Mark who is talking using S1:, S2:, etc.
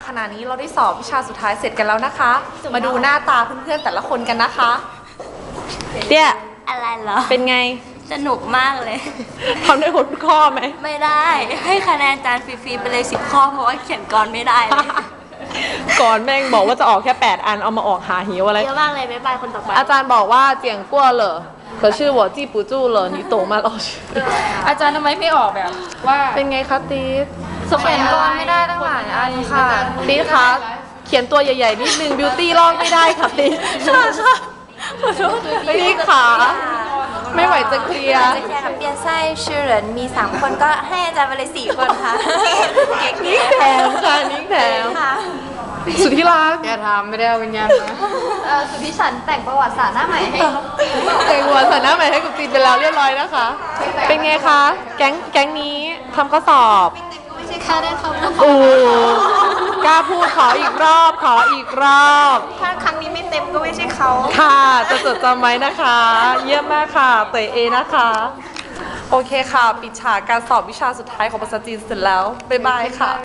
S1: ขณะนี้เราได้สอบวิชาสุดท้ายเสร็จกันแล้วนะคะ มาดูหน้าตาเพื่อนๆแต่ละคนกันนะคะเตี้ย
S2: อะไรเหรอ
S1: เป็นไง
S2: สนุกมากเลย
S1: ทำได้หมดทุกข้อไหม
S2: ไม่ได้ให้คะแนนจานฟรีๆไปเลย10 ข้อเพราะว่าเขียนกรไม่ได้เลย
S1: ก่อนแม่งบอกว่าจะออกแค่8อันเอามาออกหาหิวอะไร
S2: เยอะมากเลยบ๊ายบายคนต่อไป
S1: อาจารย์บอกว่าเจียงกั่วเหรอ可是我记不住了你懂吗老师
S3: อาจารย์ทำไมไม่ออกแบบว่า
S1: เป็นไงคะติ๊ด
S3: เขียนกรไม่ได้ตั้งหลายอันค่ะ
S1: ติ๊ดคะเขียนตัวใหญ่ๆนิดนึงบิวตี้ลอกไม่ได้ค่ะติ๊ดค่ะติ๊ดขาไม่ไหวจะเคลียร์
S2: จะแข่งกับเปียนไส้ชื่อเหรินมี3 คนก็ให้อาจารย์ไปเลย4 คนค่ะเก่ง
S1: นิ้งแถมค่ะนิ้งแถม
S2: ค่ะ
S1: สุดที่รัก
S3: อย่าทำไม่ได้เอาวิญญาณมา
S2: สุดที่ฉันแต่งประวัติศาสตร์หน้าใหม่ให้
S1: แต่งหัวใส่หน้าใหม่ให้กับจีนไปแล้วเรียบร้อยนะคะ เป็นไงคะแก๊งนี้ทำข้อสอบ
S2: ไม่ใช่แค่ได้ทำนะคะ
S1: โอ้กล้าพูดขออีกรอบขออีกรอบ
S2: ถ้าครั้งนี้ไม่เต็มก็ไม่ใช่เขา
S1: ค่ะจะจดจำไว้นะคะ เยี่ยมมากค่ะเตยเอนะคะ โอเคค่ะ ปิดฉากการสอบวิชาสุดท้ายของภาษาจีนเสร็จแล้ว บ๊ายบายค่ะ